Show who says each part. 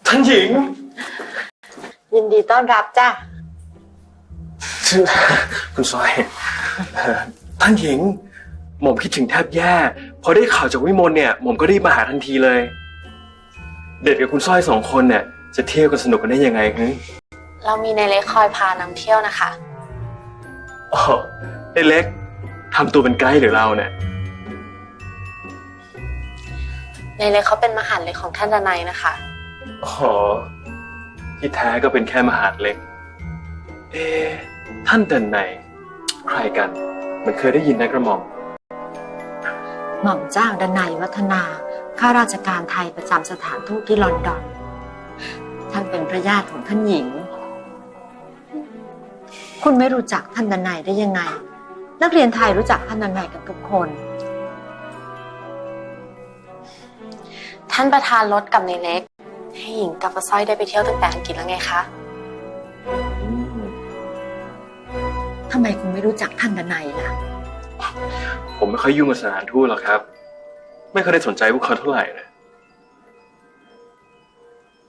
Speaker 1: ท่านหญิง
Speaker 2: ยินดีต้อนรับจ้ะ
Speaker 1: คุณซอยท่านหญิงหม่อมคิดถึงแทบแย่พอได้ข่าวจากวิมลเนี่ยหม่อมก็รีบมาหาทันทีเลยเด็ดกับคุณสร้อยสองคนเนี่ยจะเที่ยวกันสนุกกันได้ยังไงฮึ
Speaker 3: เรามีในเล็กคอยพานำเที่ยวนะคะ
Speaker 1: อ๋อไอ้เล็กทำตัวเป็นไกด์หรือเราเนี่ย
Speaker 3: ในเล็กเขาเป็นมหาดเล็กของท่านดนัยนะคะ
Speaker 1: อ๋อที่แท้ก็เป็นแค่มหาดเล็กท่านเดินไหนใครกันมันเคยได้ยินนะกระหม่อม
Speaker 2: หม่อมเจ้าดนัยวัฒนาข้าราชการไทยประจำสถานทูตที่ลอนดอนท่านเป็นพระญาติของท่านหญิงคุณไม่รู้จักท่านดนัยได้ยังไงนักเรียนไทยรู้จักท่านดนัยกันทุกคน
Speaker 3: ท่านประธานรถกับในเล็กให้หญิงกับป้าสร้อยได้ไปเที่ยวตั้งแต่อังกฤษแล้วไงคะ
Speaker 2: ทำไมคุณไม่รู้จักท่านดนัยล่ะ
Speaker 1: ผมไม่ค่อยยุ่งกับสถานทูตหรอกครับไม่เคยได้สนใจพวกเขาเท่าไหร่นะ